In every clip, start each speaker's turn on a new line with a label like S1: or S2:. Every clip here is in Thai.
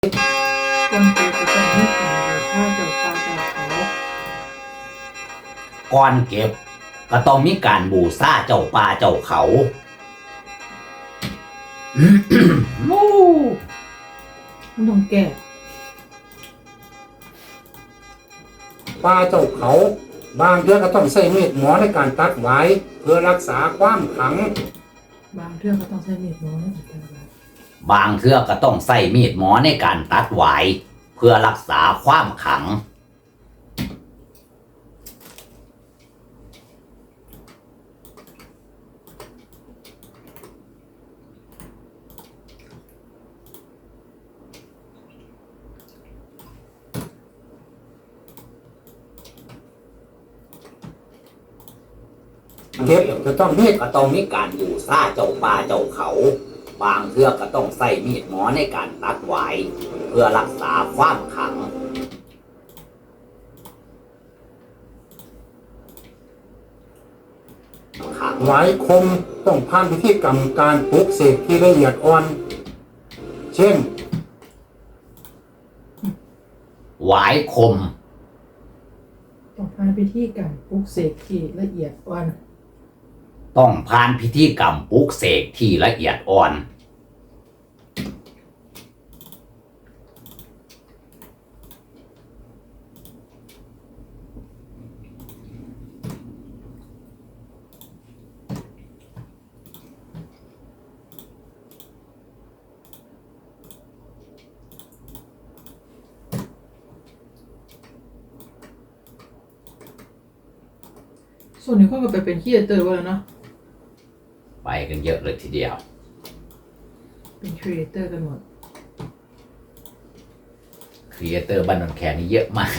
S1: คนเก็บก็ต้องมีการบูชาเจ้าป่าเจ้าเขา
S2: ก่อนเก็บก็ต้องมีการบูชาเจ้าป่าเจ้าเขามู
S1: มันต้องแก้
S3: ป่าเจ้าเขาบางเทื่อก็ต้องใช้มีดหมอในการตัดไว้เพื่อรักษาความขลัง
S1: บางเรื่องก็ต้องใช้มีดน้อยนะแต่ว่า
S2: บางเทื่อก็ต้องใส่มีดหมอในการตัดหวายเพื่อรักษาความขลัง
S3: เก็บจะต้องมีด
S2: ก็ต้องมีการบูชาเจ้าป่าเจ้าเขาบางเทื่อก็ต้องใส่มีดหมอในการตัดหวายเพื่อรักษาความขลัง
S3: ไว้คมต้องผ่านพิธีกรรมการปลุกเสกที่ละเอียดอ่อน เช่น
S2: หวายคม
S1: ต้องผ่านพิธีการปลุกเสกที่ละเอียดอ่อน
S2: ต้องผ่านพิธีกรรมปลุกเสกที่ละเอียดอ่อน
S1: ส่วนนี้ก็ไปเป็นครีเอเตอร์แล้วเนาะ
S2: ไปกันเยอะเลยทีเดียว
S1: เป็นครีเอเตอร์กันหมด
S2: ครีเอเตอร์บ้านนนแคนนี่เยอะมาก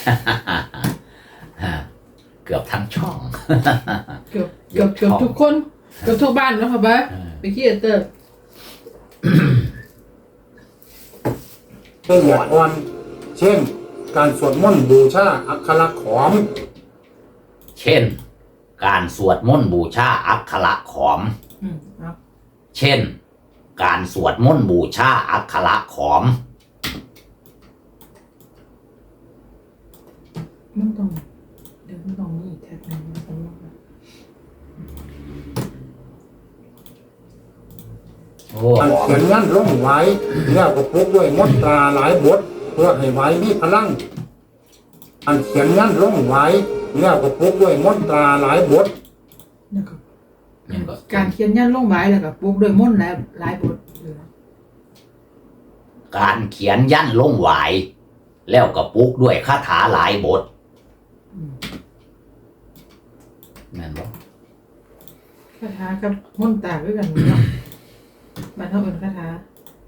S2: เกือบทั้งช่อง
S1: เกือบทุกคนเกือบทุกบ้านแล้วค่ะบ้าเป็นครีเอเตอร์
S3: ละเอียดอ่อน เช่นการสวดมนต์บูชาอักขระขอม
S2: เช่นการสวดมนต์บูชาอักขระขอม
S1: ครับ
S2: เช่นการสวดมนต์บูชาอักขระขอม
S1: มันต้องเดี๋ยวมันต้องมีแท็กนึงมันต้อง
S3: การเขียนยันลงไว้แล้วก็ปลุกด้วยมนตราหลายบทเพื่อให้ไว้มีพลังการเขียนยันลงไว้แล้วก็ปลุกด้วยมนตราหลายบท
S1: นะครับการเขียนยันลงไว้แล้วก็ปลุกด้วยมนต์และหลายบท
S2: การเขียนยันลงไหวแล้วก็ปลุกด้วยคาถาหลายบทนั่นบ่
S1: คาถากับมนต์ต่างด้วยกันเนาะบ้านเฮาเอิ้นคาถา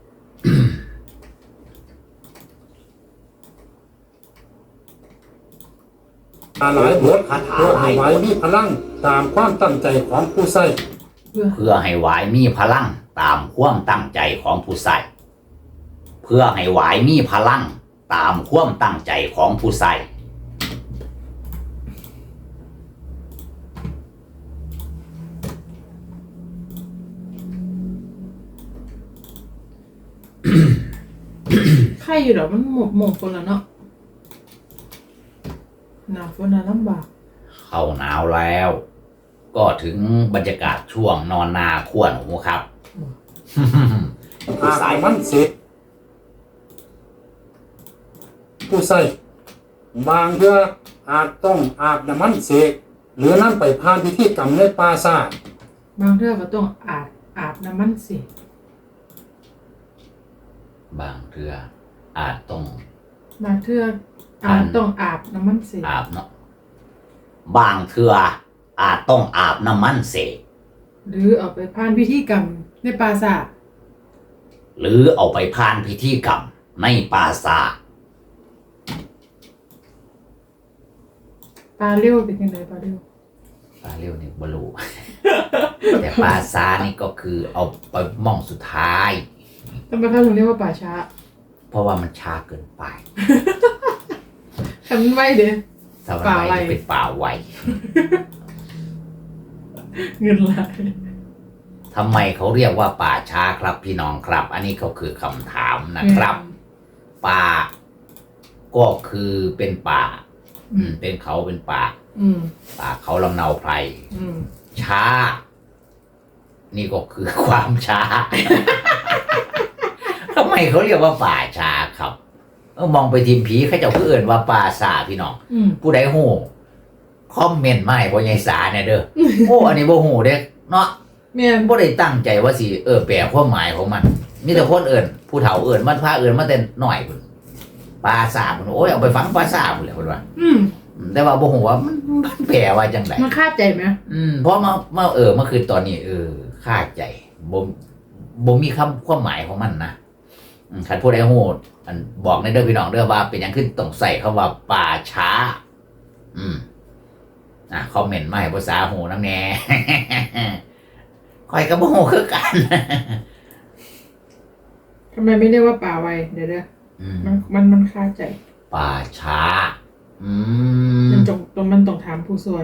S3: หลายบทเพื่อให้ไว้มีพลังตามความตั้งใจของผู้ใช้
S2: เพื่อให้ไหวมีพลังตามความตั้งใจของผู้ใส่เพื่อให้ไหวมีพลังตามความตั้งใจของผู้ใส่
S1: ไข่อยู่ดอกมันหมกคนละเนาะหนาวฝนน่ะลำบาก
S2: เข้าหนาวแล้ว ก็ถึงบรรยากาศช่วงนอนนาขั้วหนูครับ
S3: ผู้ใส่มันเสร็จผู้ใส่บางเทื่ออาจต้องอาบน้ำมันเสกหรือนั่นไปผ่านพิธีกรรมในปราสาท
S1: บางเทื่อก็ต้องอาบน้ำมันสิ
S2: บางเทื่ออาจต้อง
S1: บางเทื่ออาจต้องอาบน้ำมันสิ
S2: อาบเนาะบางเทื่ออาจต้องอาบน้ำมันเสก
S1: หรือเอาไปผ่านพิธีกรรมในปราสาท
S2: หรือเอาไปผ่านพิธีกรรมในปราสาท
S1: ปลาเลี้ยวเป็นยังไงปลาเลี้ยว
S2: นี่บลูแต่ปราสาทนี่ก็คือเอาไปมองสุดท้าย
S1: ทำไมเขาถึงเรียกว่าป่าช้า
S2: เพราะว่ามันช้าเกินไป
S1: ทำไว้เด้
S2: ป่าไวเป็นป่าไว
S1: เงินไหล
S2: ทำไมเขาเรียกว่าป่าช้าครับพี่น้องครับอันนี้ก็คือคำถามนะครับป่าก็คือเป็นป่าเป็นเขาเป็นป่าป่าเขาลำเนาไพรช้านี่ก็คือความช้า ทำไมเขาเรียกว่าป่าช้าครับมองไปทีมผีเขาจะเอื่นว่าป่าสาพี่น้องผู้ใดหูคอมเมนต์มาให้พ่อใหญ่สาเนี่ยเด้อ โอ้อันนี้บ่หูเด้เนาะแม่นบ่ได้ตั้งใจว่าสิแปลความหมายของมันมีแต่คนเอื่นผู้เฒ่าเอื่นมันพาเอื่นมาแต่น้อยพุ่นป่าสาพุ่นโอ้ยเอาไปฝังป่าสาพุ่นแหละเพิ่นว่าแต่ว่าบ่ฮู้ว่ามันแปลว่าจังได๋
S1: มันคาใจไหม
S2: เพราะมาเมื่อคืนตอนนี้คาใจบ่มีความหมายของมันนะคันผู้ใดฮู้อันบอกในเด้อพี่น้องเด้อว่าเป็นหยังขึ้นต้องใส่คำว่าป่าช้าคอมเมนต์มาให้ภาษาฮู้นำแน่ ค่อยก็บ่ฮู้คือกัน
S1: ทำไมไม่เรียกว่าป่าไวเดี๋ยวมันคาใจ
S2: ป่าช้า
S1: มันต้องถามผู้ช่วย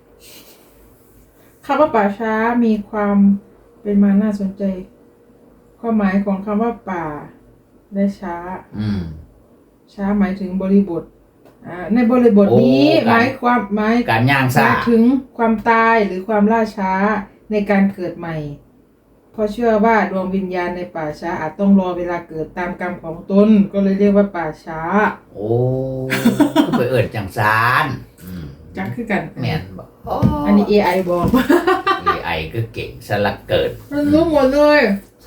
S1: คำว่าป่าช้ามีความเป็นมาน่าสนใจความหมายของคำว่าป่าและช้าช้าหมายถึงบริบทในบริบทนี้หมาย
S2: การย่างซ่า
S1: ถึงความตายหรือความล่าช้าในการเกิดใหม่เพราะเชื่อว่าดวงวิญญาณในป่าช้าอาจต้องรอเวลาเกิดตามกรรมของตนก็เลยเรียกว่าป่าช้า
S2: โอ้ไปเอิ้นจังซาน
S1: จังคือกัน
S2: แม่นบ่
S1: อันนี้ AI บอก
S2: AI ก็เก่งซะละเกิน
S1: มันรู้หมดเลย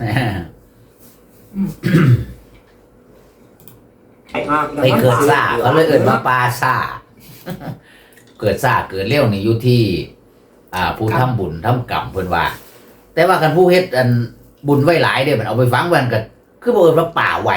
S2: ไปเกิดซ่าเขาเลยเอิ้นว่าป่าซ่าเกิดซ่าเกิดเร็วนี่อยู่ที่ผู้ทำบุญทำกรรมเพิ่นว่าแต่ว่ากันผู้เฮ็ดอันบุญไว้หลายเด้มันเอาไปฝังไว้ก็คือบ่เอิ้นว่าป่าไว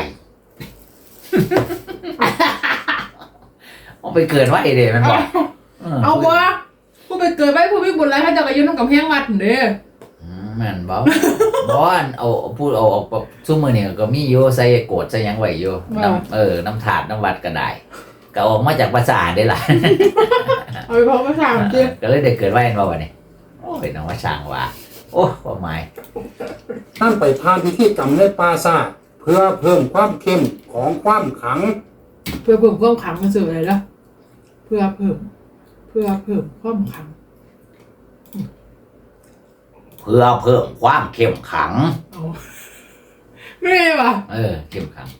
S2: เอาไปเกิดไว้เด้มันบอก
S1: เอาบ่ผู้ไปเกิดไว้ผู้มีบุญหลายเขาเจ้าก็อยู่นำกำแพงวัดเด้
S2: แม่นบ่เอาพูดเอาซุมื้อนี้ก็มีอยู่ใส่โกรธใส่หยังไว้อยู่น้ำถาดน้ำวัดก็ได้ก็ออกมาจากภาษาได้ล่ะ
S1: เอาไปเพราะภาษาจริง
S2: ก็เลยได้เกิดไว้เห็นบ่บัดนี้โอ้ยน้องว่าช่างว่าโอ้ความหมาย
S3: ท่านไปทานพิธีกรรมในป่าซ่าเพื่อเพิ่มความเข้มของความขัง
S1: เพื่อเพิ่มความขังมันสื่ออะไรล่ะเพื่อเพิ่มความขัง
S2: เพื่อเพิ่มความเข้มขัง
S1: ไม่ใช่ป่ะ
S2: เข้มขัง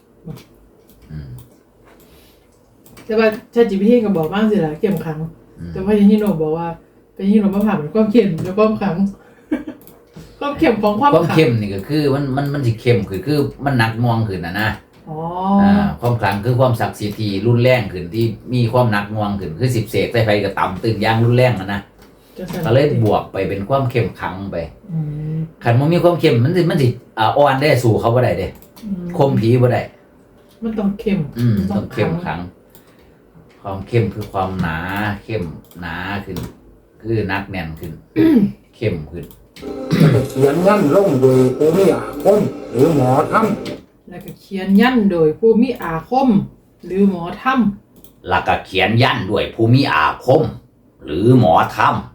S1: แต่ว่าChatGPTก็บอกบ้างสิล่ะเข้มขังแต่ว่ายังฮิโนบอกว่าเป็นฮิโนมาผ่านเป็นความเข้มแล้วความขังความเข้มของความ
S2: เข้มนี่ก็คือมันสิเข้มคือมันหนักน่วงขึ้นนะความขังคือความศักดิ์สิทธิ์ที่รุนแรงขึ้นที่มีความหนักน่วงขึ้นคือ10เสกใส่ไฟก็ต่ำตึงอย่างรุนแรงนะก็เลยบวกไปเป็นความเข้มขังไปขันมันมีความเข้มมันสิอ่อนได้สู่เขาบ่ได้เด้คมผีบ่ได้
S1: มันต้องเข้ม
S2: ต้องเข้มขังความเข้มคือความหนาเข้มหนาขึ้นคือนักแน่นขึ้นเข้มขึ้น
S3: แล้วก็เขียนยันลงโดยผู้มีอาคมหรือหมอธรรม
S1: แล้วก็เขียนยันโดยผู้มีอาคมหรือหมอธรรม
S2: แล้วก็เขียนยันด้วยผู้มีอาคมหรือหมอธรรม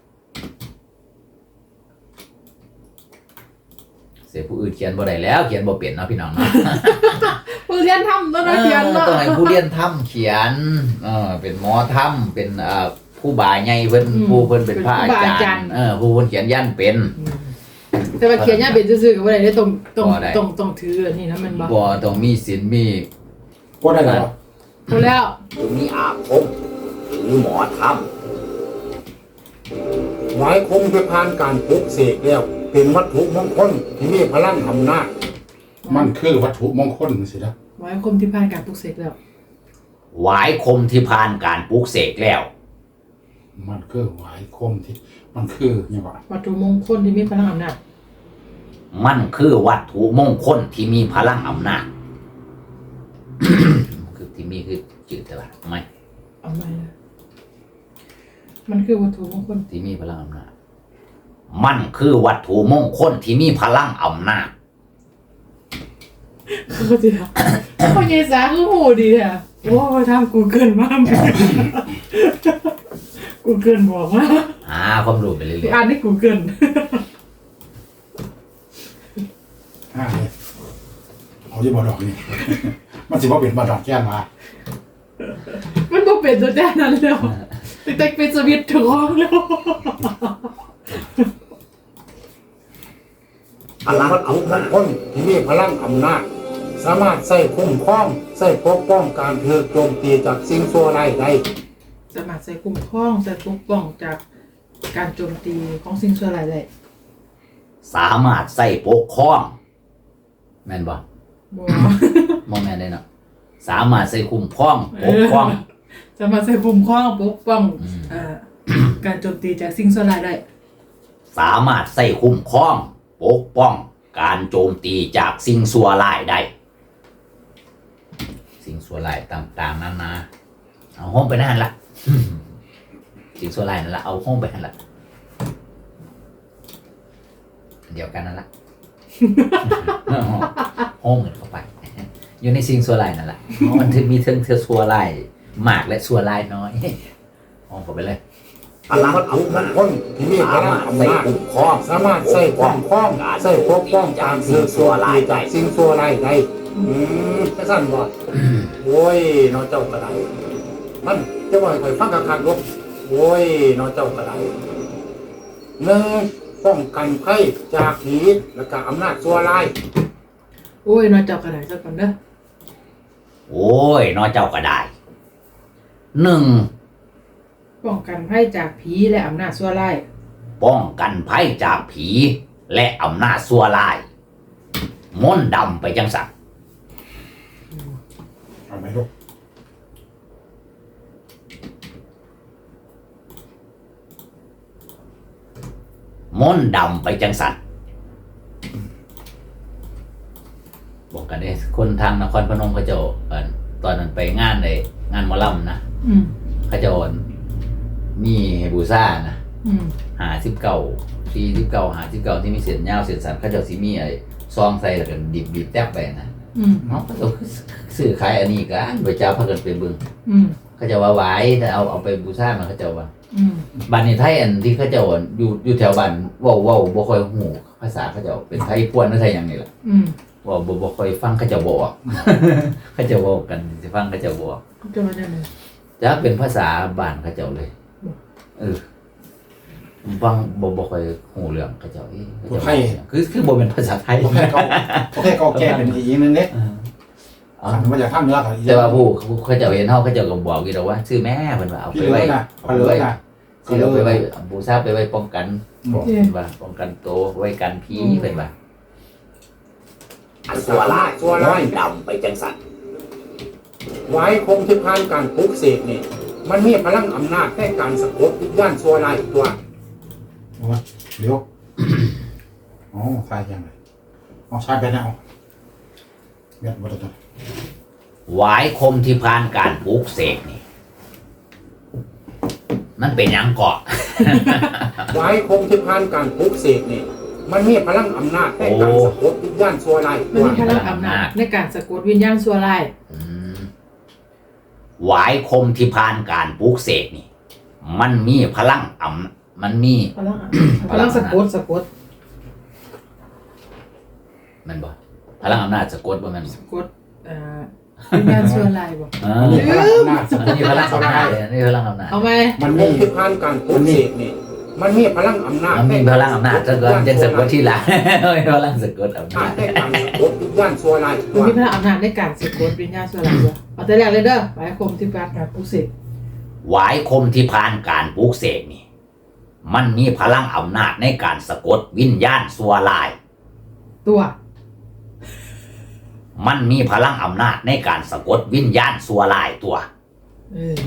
S2: เสียผู้อื่นเขียนบ่ได้แล้วเขียนบ่เป็นเนาะพี่น้องเนาะ
S1: ผู้เรียนธรรมต้องเขียนเนาะ
S2: ต้องให้ผู้เรียนธรรมเขียนเป็นหมอธรรมเป็นผู้บาใหญ่เพิ่นผู้เพิ่นเป็นพระอาจารย์ผู้เพิ่นเขียนยันเป็น
S1: แต่ว่าเขียนยันเป็นซื่อๆก็บ่ได้ต้องถือนี่นะมัน
S2: บ่ต้องมีศีลมี
S3: บ่ได้หรอ
S1: พอแล้ว
S2: มีอาคมหรือหมอธรรม
S3: หมายคงจะผ่านการปลุกเสกแล้วเป็นวัตถุมงคลที่มีพลังอำนาจมันคือวัตถุมงคลสินะ
S1: หวายคมที่ผ่านการปลุกเสกแล้ว
S2: หวายคมที่ผ่านการปลุกเสกแล้ว
S3: มันคือหวายคมที่มันคือยังไง
S1: วัตถุมงคลที่มีพลังอำนาจ
S2: มันคือวัตถุมงคลที่มีพลังอำนาจคือที่มีคือจืดแต่ว่าไม่
S1: เอาไม่นะมันคือวัตถุมงคล
S2: ที่มีพลังอำนาจมันคือวัตถุมงคลที่มีพลังอำนาจ
S1: เขาจะเขาเยสาคือโหดีอ่ะโอ้ทำกูเกินมากกูเกินบอกว่า
S2: ความรู้ไปเรื่อย
S1: ๆอ่านให้กูเกิน
S3: เอาที่บอกดอกนี่
S4: มันสิบ่เป็นบ่ดอกแก้นมา
S1: มันบ่เป็นตัวแน่นั้นแล้วแต่เป็นสวิตช์ถึงห้องแล้ว
S3: พลังวัตถุมงคลที่มีพลังอำนาจสามารถใช้คุ้มครองใช้ปกป้องการถูกโจมตีจากสิ่งชั่วร้ายได้
S1: สามารถใส่คุ้มครองใส่ปกป้องจากการโจมตีของสิ่งชั่วร้ายได้
S2: สามารถใส่ปกครองแม่นบ่
S1: บ่
S2: บ่แม่นได้เนาะสามารถใส่คุ้มครองปกครอง
S1: สามารถใส่คุ้มครองปกป้อง
S2: อืม
S1: การโจมตีจากสิ่งชั่วร้ายได้
S2: สามารถใส่คุ้มครองปกป้องการโจมตีจากสิ่งชั่วร้ายได้ สิ่งชั่วร้ายต่างๆนานาเอาห้องไปนั่นละ สิ่งชั่วร้ายนั่นละเอาห้องไปนั่นละเดียวกันนั่นละ ห้องเงินเข้าไป อยู่ในสิ่งชั่วร้ายนั่นแหละมันถึงมีเทิงชั่วร้ายมากและชั่วร้ายน้อย ห้องเข้าไปเลย
S3: พลังวัตถุมงคลที่มีพลังอำนาจสามารถใช้คุ้มครองใช้ปกป้องการถูกโจมตีจากสิ่งชั่วร้ายได้จะสั่นบ่โอ้ยน้องเจ้ากระไดมันจะว่าให้ฟังคักๆลูกโอ้ยน้องเจ้ากระไดหนึ่งป้องกันภัยจากผีและก็อำนาจชั่วร้าย
S1: โอ้ยนอนจับกระดาษซะก่อนเด้อ
S2: โอ้ยน้อยเจ้าก็ได้หนึ่ง
S1: ป้องกันภัยจากผีและอำนาจชั่วร้าย
S2: ป้องกันภัยจากผีและอำนาจชั่วร้ายมนต์ดำไปจังสัน
S4: เอาไหมลูก
S2: มนต์ดำไปจังสันบอกกันได้คนทางนครพนมเขาเจะตอนนั้นไปงานเลยงานหมอลำนะ
S1: อืม
S2: เขาเจะมีบูซ่านะ
S1: อืม
S2: 49 49ที่มีเสียนยาวเสียนสันเขาเจะสิมีไอ้ซองใส่แล้วกันบีบแทบไปนะ
S1: อืม
S2: เนาะเขาเจะซื้อขายอันนี้กันโดยเจ้าพากันไปเบิ่ง
S1: อืม
S2: เขาเจะว่าไหวแต่เอาไปบูซ่ามันเขาเจะว่า
S1: อืม
S2: บ้านในไทยอันที่เขาเจะอยู่แถวบ้านเว้าบ่ค่อยฮู้ภาษาเขาเจะเป็นไทยพวนหรือไทยหยังนี่ล่ะ
S1: อืม
S2: ว่าบ่ค่อยฟังเขาเจะบ่ออก เขาเจะเว้ากันสิฟังเขาเจะบ่ออก
S1: จะมาได้ไหน
S2: จะเป็นภาษาบ้านเขาเจ้าเลยผมฟังบ่ค่อยฮู้เรื่องเขาเจ้าเขาเจ้าคือบ่เป็นภาษาไทย
S4: โอเคเขาแก้เป็นอีกนึงเด้
S2: อ๋อ
S4: ขันมาจากทางเหนือก็
S2: แต่ว่าผู้เขาเจ้าเห็นเฮาเขาเจ้าก็บอกอยู่แล้วว่าชื่อแม่เพิ่นว่าเอา
S4: พี่
S2: ไป
S4: เล
S2: ไว้
S4: ยนะเอาเลยนะ
S2: สิเอาไปไว้บูชาไปไว้ป้องกัน
S4: บอก
S2: เพิ่นว่าป้องกันตัวไว้กันผีเพิ่นว่า
S3: ชั่วร้าย
S2: ดำไปจังสัน
S3: ไว้คงที่ผ่านการปลุกเสกนี่มันมีพลังอำนาจในการสะกดวิญญาณชั่วร้ายตัว
S4: เดี๋ยวอ๋อใส่ยังไงอ๋อใส่ไปแล้วเบียดบดตัว
S2: หวายคมที่ผ่านการปลูกเสกนี่มันเป็นหยังเกาะ
S3: ไว้คงที่ผ่านการปลุกเสกนี่มันมีพลังอำนาจในการสะกดวิญญาณชั่วร้าย
S1: มัน
S3: ตัว
S1: มีพลังอำนาจในการสะกดวิญญาณชั่วร้าย
S2: หวายคมที่ผ่านการปลูกเสกนี่ มันมีพลังมันมี
S1: พลังพลังสะกด
S2: มันบ่พลังอำนาจสะกดบ่แม่น
S1: สะกดวิญญาณชั่วร้ายบ่
S4: มีพลังอำนาจส
S2: มันมีพลังอำนาจเลยนี่พลังอำนาจ
S1: เอาไหม
S4: มัน
S3: ค
S4: มี
S3: งที่ผ่านการปลุกเสกนี่มันมีพลังอำนาจ
S2: มันมีพลังอำนาจซะก่อนจังสะกดที่หลัง มีพลังสะกดอำนาจ
S3: ในการสะกดวิญญาณชั่วร้ายตั
S1: มัน
S3: ว
S1: มีพลังอำนาจในการสะกดวิญญาณชั่วร้ายด้วยเอาแต่แรกเลยเด้อหมายคมที่การการปลุกเสก
S2: หวายคมที่ผ่านการปลูกเสกนี่ มันมีพลังอำนาจในการสะกดวิญญาณชั่วร้าย
S1: ตัว
S2: มันมีพลังอำนาจในการสะกดวิญญาณชั่วร้ายตัว
S1: เออ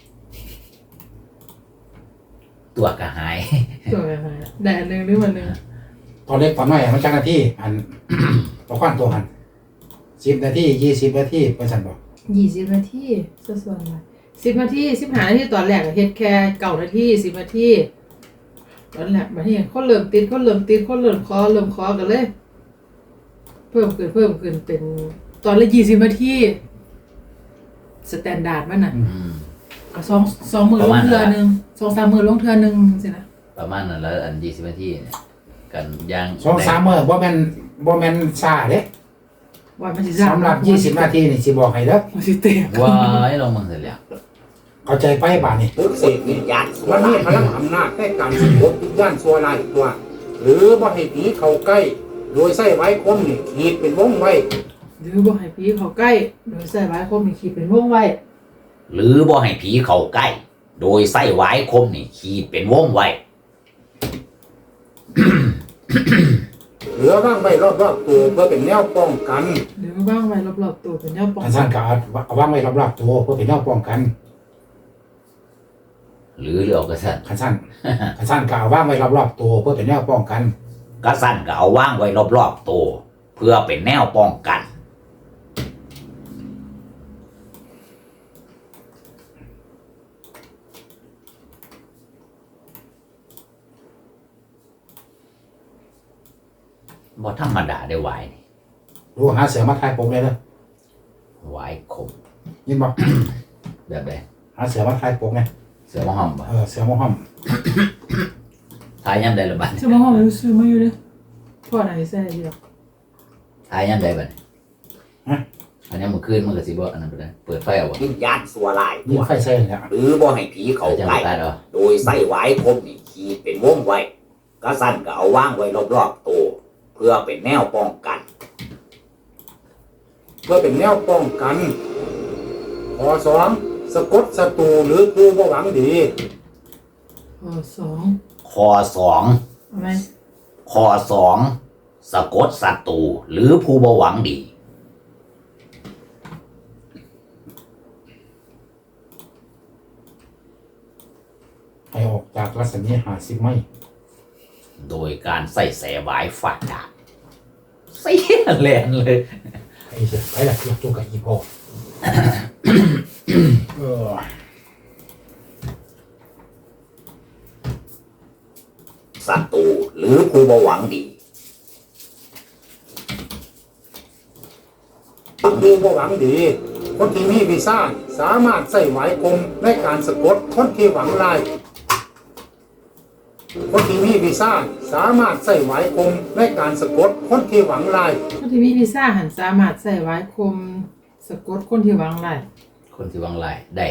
S2: ตัวก็หาย
S1: ตัวอะไรได้อันหนึ่งหรือมันหนึ่ง
S4: ตอนเล็กตอนน้อยมันจังนาทีอันตัวขั้นตัวหัน10 นาที20 นาทีเป็นสันบอก
S1: 20 นาทีส่วนอะไร10 นาที15 นาทีตอนแรกเฮ็ดแค่9 นาที10 นาทีตอนแรกมาที่คนเริ่มติดคนเริ่มคอกันเลย เพิ่มขึ้นเป็นตอนละ20 นาทีสแตนดาร์ดมันน่ะก็2มื้อลงเทื่อนึง2-3 มื้อลงเทื่อนึงสินะ
S2: ประมาณนั้นแล้วอัน20 นาทีเนี่ยกันย่าง
S4: 2-3 มื้อบ่แม่นซ่าเด้
S1: ว่ามันสิ
S4: สำหรับ20 นาทีนี่สิบอกให้เด้อ
S1: มันสิเตะ
S2: ว้ายลงมึงเสร็จแล้ว
S4: เข้าใจไปบาดนี้
S3: ปลุกเสกวิญญาณมันมีพลังอำนาจในการสะกดวิญญาณชั่วร้ายตัว หรือบ่ให้ผีเข้าใกล้ โดยใช้ไว้คมนี่ขีดเป็นวงไว้
S1: หรือบ่ให้ผีเข้าใกล้โดยใส่ไว้คมมีขีดเป็นวงไว้
S2: หรือบ่ให้ผีเข้าใกล้ โดยใส่หวายคมนี่ขีดเป็นวงไว้
S3: เหลือว่างไว้รอบๆตัวเพื่อเป็นแนวป้องกัน
S1: หรือว่างไว้รอบๆตัวเป็นแนวป้อง
S4: คัน
S1: กั
S4: สั้
S1: น
S4: นก็เอาวางไว้รอบๆตัวเพื่อเป็นแนวป้องกัน
S2: หรือเรียกกระสัน
S4: คันสั้นก็เอาวางไว้รอบๆตัวเพื่อเป็นแนวป้องกัน
S2: กระสันก็เอาว่างไว้รอบๆตัวเพื่อเป็นแนวป้องกัน บ่ธรรมดาได้หวายนี่
S4: ดูหาเสือมาทายผมเลยเด้อ
S2: หวายคม
S4: ยินบ่
S2: แบบใด
S4: หาเสือมาทายผมไง
S2: เสือมะห้อมบ่
S4: เสือหมอห้อม
S2: ทายยามใดละบัด
S1: ซื้อมาห้องมันซื้อมาอยู่เด้อพ่อไหนใส่เดียว
S2: ทายยามใดบัดอันนี้มื้อคืนมันก็สิบ่อันนั้นไปได้เปิดไฟเอาบ่
S3: วิญญาณชั่วร้าย
S4: ยิงไฟใส่เลยเนี่ย
S3: หรือบ่ให้ผีเข้า
S2: จะ
S3: ใกล้
S2: ตัดเอา
S3: โดยใส่ไว้คมนี่ขีดเป็นวงไว้กระสันก็เอาว่างไว้รอบๆตัวเพื่อเป็นแนวป้องกัน เพื่อเป็นแนวป้องกันข้อ2สะกดศัตรูหรือผู้บ่หวังดี
S1: ข้อสอง
S2: ข้อสอง
S1: อะไร
S2: ข้อสองสะกดศัตรูหรือผู้บ่หวังดี
S4: ให้ออกจากรัศมี50 ไมล์
S2: โดยการใส่แสหวายฟาดดาบเสียแลนเลย
S4: ไอ้เสือไปละเสือตัวกับอีโพเออ
S3: ศัตรูหรือผู้บ่หวังดีผู้บ่หวังดี คนที่มีวีซ่าสามารถใส่ไหวคมในการสะกดคนที่หวังร้าย คนที่มีวีซ่าสามารถใส่ไหวคมในการสะกดคนที่หวังร้าย
S1: คนที่มีวีซ่าหันสามารถใส่ไว้คมสะกดคนที่หวังไล่
S2: คนที่หวังลายได้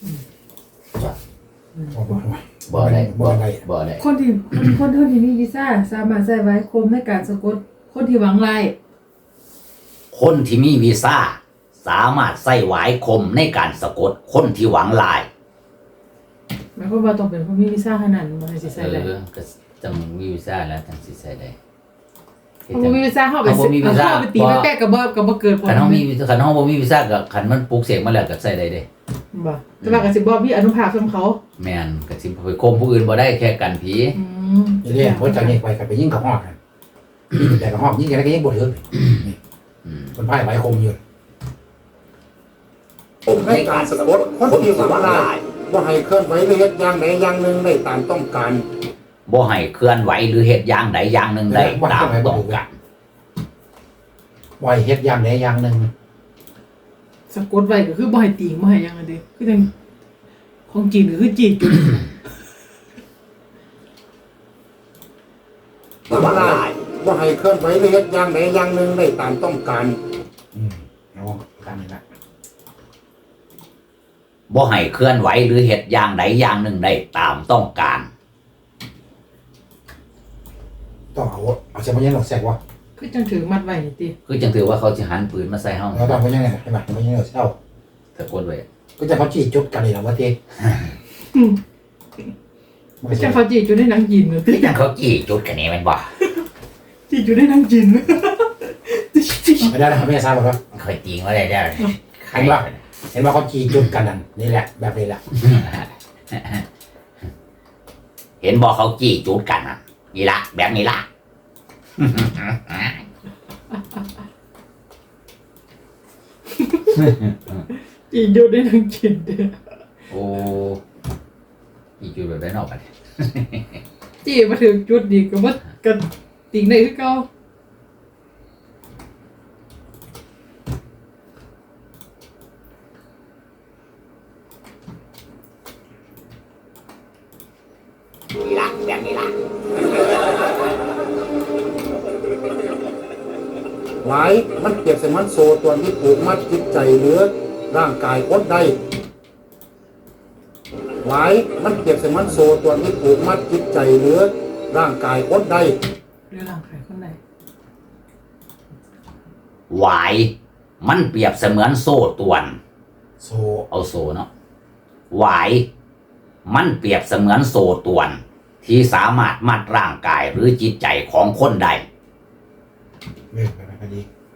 S4: บ่ได้บ่ได้
S2: บ่ได้
S1: คนที่มีวีซ่าสามารถใส่ไว้คมในการสะกดคนที่หวังไล่
S2: คนที่มีวีซ่าสามารถใส่หวายคมในการสะกดคนที่หวังลาย
S1: หมายความว่าต้องเป็นคนมีวีซ่าขนาดนั้นมันสิใส่ได้
S2: ก็จังมีวีซ่าแล้วจังสิใส่ได้
S1: เพราะว่ามีวีซ่าเข้าไป
S2: เอาบ่มีวีซ่า
S1: เข้าไปตีไปแปะกับบ่เกิดผล
S2: คันเฮามีคันเฮาบ่มีวีซ่าก็คันมันปลูกเสกมาแล้วก็ใส่ได้เด้
S1: บ่แต่ว่าก็สิบ่มีอนุภาพสำเขา
S2: แม่นก็สิไปคมผู้อื่นบ่ได้แค่กันผี
S1: อืม
S4: นี่เรียกว่าจากนี้ไปกับไปยิงกับหอกกันยิงแต่กับหอกยิงอะไรก็ยิงบ่ถึงนี่คนพ่ายไหวคมอยู่
S3: ผมในการสะกดคนที่หวังร้ายว่าให้เคลื่อนไหวหรือเฮ็ดอย่างใดอย่างหนึ่งได้ตามต้องการ
S2: บ่ให้เคลื่อนไหวหรือเฮ็ดอย่างใดอย่างหนึ่งได้ตามต้องการ
S4: ไหวเฮ็ดอย่างใดอย่างหนึ่ง
S1: สะกดไว้ก็คือบ่ให้ตีบ่ให้หยังอันเด้คือจังของจีนก็คือจีนจุด
S3: หวังร้ายว่าให้เคลื่อนไหวหรือเฮ็ดอย่างใดอย่างหนึ่งได้ตามต้องการ
S4: เอาการนี้ละ
S2: บ่ให้เคลื่อนไหวหรือเฮ็ดอย่างใดอย่างหนึ่งได้ตามต้องการ
S4: ต้องเอาเสียมันยังหลอกแสกวะ
S1: คือจังถือมัดไว้นี่ติ
S2: คือจังถือว่าเขาสิหันปืนมาใส่เฮา
S4: เราต้องมันยังไงใช่ไหมมันยังหลอกเศร้า
S2: สะกดไว้
S4: ก็จะเขาจี้จุดกันเลยนะว่าทีมันก็
S1: จั
S4: จะ
S1: งเขาจีนจุดในหนังจีนเนอะติ
S2: คือจังเขาจี้จุดกันนี่แม่นบ่
S1: จีนจุดในหนังจีน
S4: ไม่ได้นะครับไม่ได้ทราบหรอก
S2: เคยจริงว่าได้แล้วใคร
S4: เห็นว่าเขาจี้จุดกันนั่นนี่แหละแบบนี้แหละ
S2: เห็นบ่เขาจี้จุดกันน่ะนี่ล่ะแบบนี้ล่ะ
S1: จีนจุดในหนังจีนเด้อ
S2: โอ้จี้จุดแบบได้นอกกัน
S1: จีนมาถึงจุดนี้ก็บ่กันติงได้คือเก่า
S3: นี่ล่ะแบบนี้ล่ะไว้มันเปรียบเสมือนโซ่ตัวที่ผูกมัดจิตใจหรือร่างกายคนใดไว้มันเปรียบเสมือนโซ่ตัวที่ผูกมัดจิตใจหรือร่างกายคนใด
S1: หรือหลังใครคนใด
S2: หวายมันเปรียบเสมือนโซ่ตรวน
S4: โซ
S2: เอาโซ่เนาะหวายมันเปรียบเสมือนโซ่ตรวนที่สามารถมัดร่างกายหรือจิตใจของคนใด
S4: เลื่อนไปไหมพอดี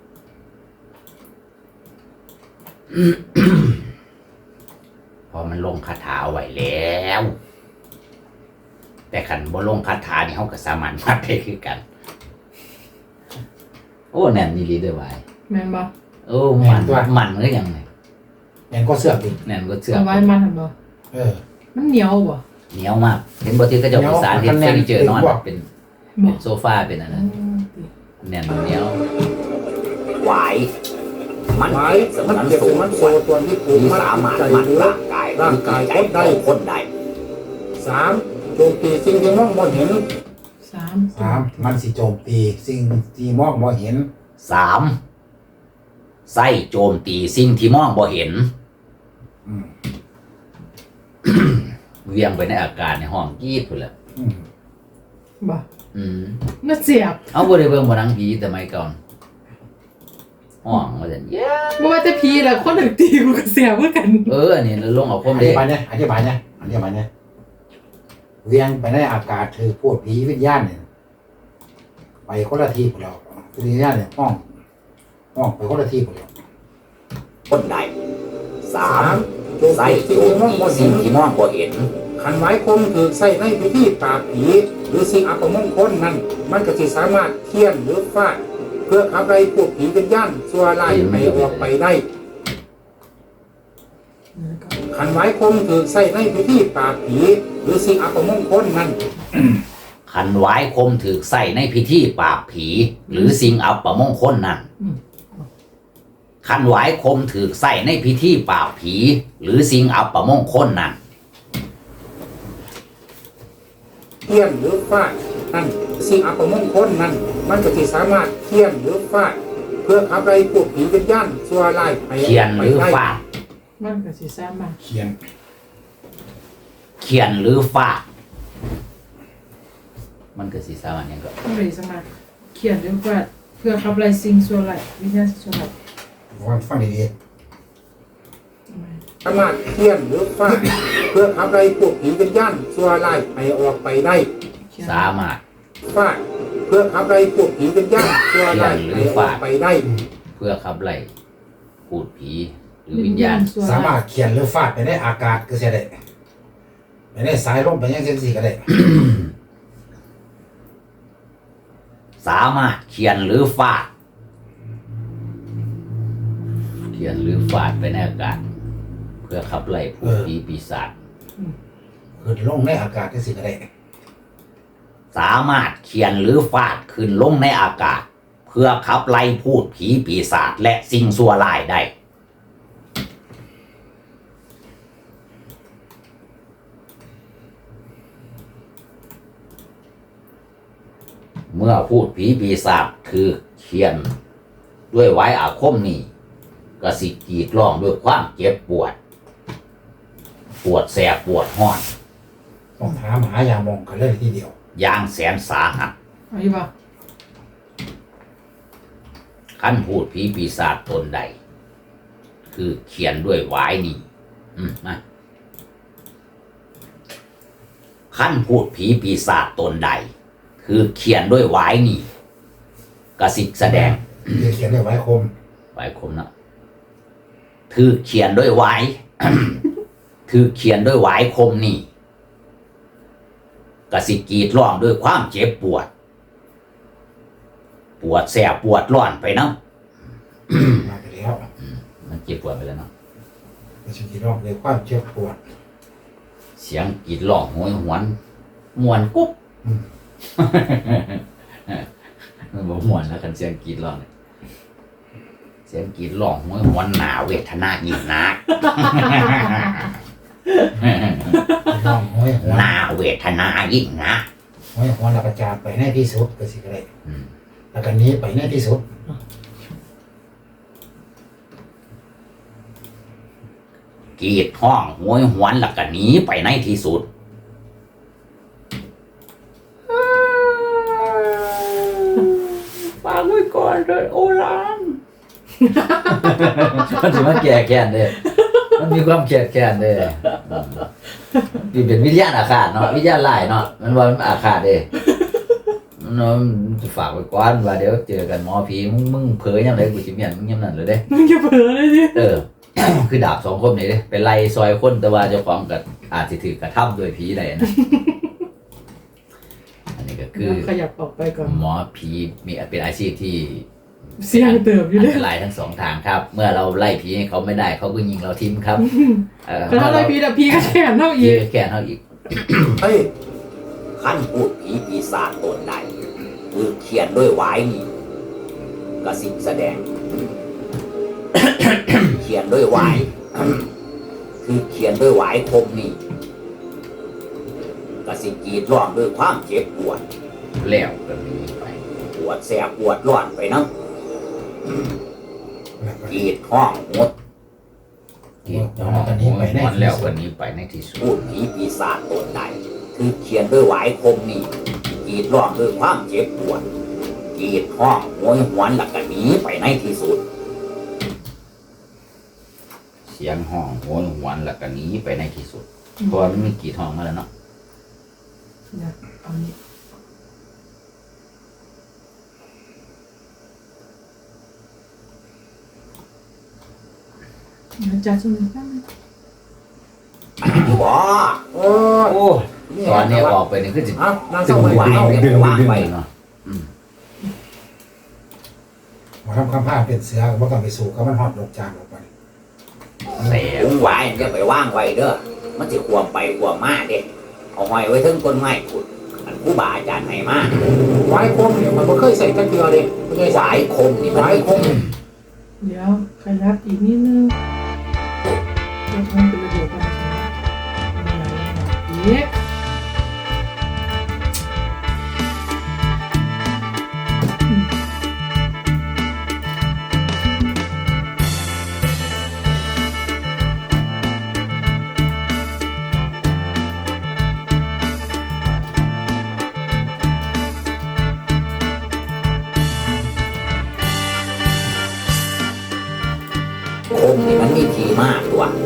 S2: พอมันลงคาถาเอาไว้แล้ว แต่ขันบ่ลงคาถานี่เขาก็สามารถมัดได้คือกัน โอ้แน่นนี่ลีเด้อไว้
S1: แม่นบ่
S2: โอ้มันก็ยังไง
S4: แอนก็เสือกดิ
S2: แน่นก็เชื่อ
S1: เอาไว้มันทำบ่
S4: เออ
S1: มันเหนียวบ่
S2: เหนียวมากเห็นบ่ที่เขาเจะประสานเห็นเฟอร์นิเจอร์นอนเป็น
S1: บ่
S2: โซฟาเป็นอันนั้นแน่นเหนียวหวายมัน
S3: ไว้มันเปรียบเสมือนโซ่ตัวที่ผูก
S2: ที่
S3: มัด
S2: สา
S3: จิต
S2: มารถ
S3: ใจ
S2: มัด
S3: หรือ
S2: ร่างกายหรือจิตใจของคนใด
S3: 3โจมตีสิ่งที่มองบ่เห็น
S4: 3มันสิโจมตีสิ่งที่มองบ่เห็น
S2: 3ไส้โจมตีสิ่งที่มองบ่เห็น
S4: อืม
S2: เวียงไปในอากาศในห้องกรีดพุ่นแหละ
S4: อืม
S1: บ่
S2: อืม
S1: น่าเสียบ
S2: เอาบ่ได้เบิ่งบ่หนังผีแต่ไม่ก่อนห้องว่าซั่นเย้
S1: บ่ว่าแต่ผีล่ะคนถึงตีกูก็เสียบเหมือนกัน
S2: อันนี้ลงเอาค
S4: อ
S2: ม
S4: ธิ
S2: เด้
S4: บายเนี่ยเวียงไปในอากาศถือพวกผีวิญญาณเนี่ยไปคนละที่พวกเราวิญญาณเนี่ยห้องไปคนละที่พวกเรา
S2: คนใด
S3: 3โจม
S2: ไส้
S3: ตี
S2: โจ
S3: สิ่ง
S2: ม
S3: ที่มอง
S2: ตี
S3: บ่
S2: สิ่
S3: เห็
S2: ง
S3: น
S2: ที่มองบ่เห็น
S3: ขันไว้คมถือใส่ในพิธีปราบผีหรือสิ่งอัปมงคลนั้นมันก็สิสามารถเคี่ยนหรือฟาดเพื่อขับไล่พวกผีวิญญาณชั่วร้ายให้ออกไปได้ขันไว้คมถือใส่ในพิธีปราบผีหรือสิ่งอัปมงคลนั้น
S2: ขันหวายคมถูกใส่ในพิธีปราบผี หรือสิ่งอัปมงคลนั้นขันหวายคมถูกใส่ในพิธีปราบผี หรือสิ่งอัปมงคลนั้น
S3: เคี่ยนหรือฟาดนั่นสิ่งอัปมงคลนั้นมันก็สิสามารถเคี่ยนหรือฟาดเพื่อขับไล่พวกผีวิญญาณชั่วร้ายให้อ
S2: เขีย
S3: อน ก
S2: ห
S3: ไป
S2: รือ
S3: ได้
S2: ฟาด
S1: มันก็สิสามารถ
S4: เขียน
S2: เขียนหรือฟาดมันก็สิสามารถหยังก็
S1: บ่ได้สามารถเขียนหรือว่าเพื่อขับไล่สิ่งชั่วร้ายวิญญาณชั่วร้าย
S4: ฟังดี
S3: สามารถเคี่ยนหรือฟาดเพื่อขับไล่พวกผีวิญญาณชั่วร้ายให้ออกไปได้
S2: สามารถ
S3: ฟาดเพื่อขับไล่พวกผีวิญญาณชั่วร้ายให้ออกไปได้
S2: เพื่อขับไล่พูดผีหรือวิญญาณ
S4: ๆสามารถเขียนหรือฟาดไปในอากาศก็เสียได้ไปในสายลมไปยังเส้นสีก็ได้
S2: สามารถเขียนหรือฟาดเขียนหรือฟาดไปในอากาศ เพื่อขับไล่พูดผีปีศาจ
S4: ขึ้นลงในอากาศก็สิก็ได้
S2: สามารถเขียนหรือฟาดขึ้นลงในอากาศ เพื่อขับไล่พูดผีปีศาจและสิ่งชั่วร้ายได้ เมื่อพูดผีปีศาจคือเขียน ด้วยไว้อาคมนี้กสิกรีดร้องด้วยความเจ็บปวด ปวดแสบปวดห้อน
S4: ต้องถามหายามองกันเลยทีเดียว
S2: อย่างแสนสาหัส
S1: เอาอยู่บ่
S2: ขั้นพูดผีปีศาจตนใด คือเขียนด้วยหวายนี่มาขั้นพูดผีปีศาจตนใด คือเขียนด้วยหวายนี่กสิกแสดง
S4: เขียนด้วยไว้คม
S2: หวายคมนะถือเขียนด้วยหวาย ถือเขียนด้วยหวายคมนี่กสิกรีดร้องด้วยความเจ็บปวด ปวดแสบปวดร้อนไปนะ
S4: มาไปแล้ว
S2: มันเจ็บปวดไปแล้วเนาะ
S4: ก็ชิคิดร้องเลยความเจ็บปวด
S2: เสียงกรีดร้องโหยหวนมวนกุ๊บ มันบอกมวนแล้วกันเสียงกรีดร้องเนี่ยเสียงกรีดร้องโหยหวนหนาเวทนายิ่งนัก
S4: ร้องห้อยหัว
S2: หนาเวทนายิ่งนัก
S4: ห้อยหัวแล้วก็จากไปในที่สุดก็สิก็ได้
S2: อืม
S4: แล้วก็หนี้ไปในที่สุด
S2: คกรีดห้องโหยหวนแล้วก็หนีไปในที่สุดฝากไว้ก่อนเลยโอรานมันถือว่าแก่แค้นเลยมันมีความแก่แค้นเลยนี่เป็นวิญญาณอาฆาตเนาะวิญญาณร้ายเนาะมันว่ามันอาฆาตเด้เนาะฝากไว้ก่อนว่าเดี๋ยวเจอกันหมอผีมึงเผยยังไงกูสิเมียนมึงยังนั่นเลยเด้
S1: มึงจะเผลอเลยดิ
S2: คือดาบสองคมนี่เด้ไปไล่ซอยคนแต่ว่าเจ้าของก็อาจสิถือกระทำโดยผีได้นะอันนี้ก็คือ
S1: ขยับออกไปก่อน
S2: หมอผีมีเป็นอาชีพที่
S1: เสี่ยงเติบอยู่
S2: อั
S1: เลย
S2: นตรายทั้งสองทางครับ เมื่อเราไล่ผีให้เขาไม่ได้เขาก็ยิงเราทิ้งครับ
S1: แล้วอะไรพีแต่พีก็แขนเท่าอี
S2: ยิ
S1: ก
S2: งแก่เท่าอีก
S3: เฮ้ย
S2: ขั้นพูดผีปีศาจตนใดคือเขียนด้วยหวายนี่กระสิบแสดง เขียนด้วยหวายคือเขียนด้วยหวายคมนี่กระสิกรีดร้องด้วยความเจ็บปวดแล้วก็หนีไปปวดแสบปวดร้อนไปนะกรีดห้องหมดกรีดห้องหมดแล้วก็หนีไปในที่สุดพูดผีปีศาจตนใดคือเขียนด้วยหวายคมนี่กรีดร้องด้วยความเจ็บปวดกรีดห้องโหยหวนแล้วก็หนีไปในที่สุดเสียงห้องโหยหวนแล้วก็หนีไปในที่สุดเพราะมันมีกรีดห้องมาแล้วเนาะ
S1: เดี๋ยวเอานี้อาจารย์ช่วยหน่อย
S2: ว้า
S3: โอ้
S2: โอ้ตอนนี้ออกไปนี่คือจิ
S3: เอานั่ง
S2: ตึ
S3: ส
S2: ง
S3: มัย
S2: ไหว
S3: เอา
S2: เนี่ยไปว่างไปเนาะ
S4: หมอทำคำผ้าเป็นเสือว่าต้องไปสู่ก็มันหอดดอกจานออกไป
S2: แต่ไหวจะไปว่างไว้เด้อมันจะควมไปควมมาเด็กเอาหอยไว้ถึงต้นไม้ขุดอันผู้บาอาจารย์ให้มา
S3: ไว้คมเนี่ยมันไม่เคยใส่ตะเกียบเลยไม่เคย
S2: สา
S3: ใส่
S2: ยคมนี่มัน
S3: ไว้คม
S1: เดี๋ยวขยับอีกนิดนึงเดี๋ยวมันเป็นระเบียบกันอีก
S2: คมนี่มันมีทีมากตัว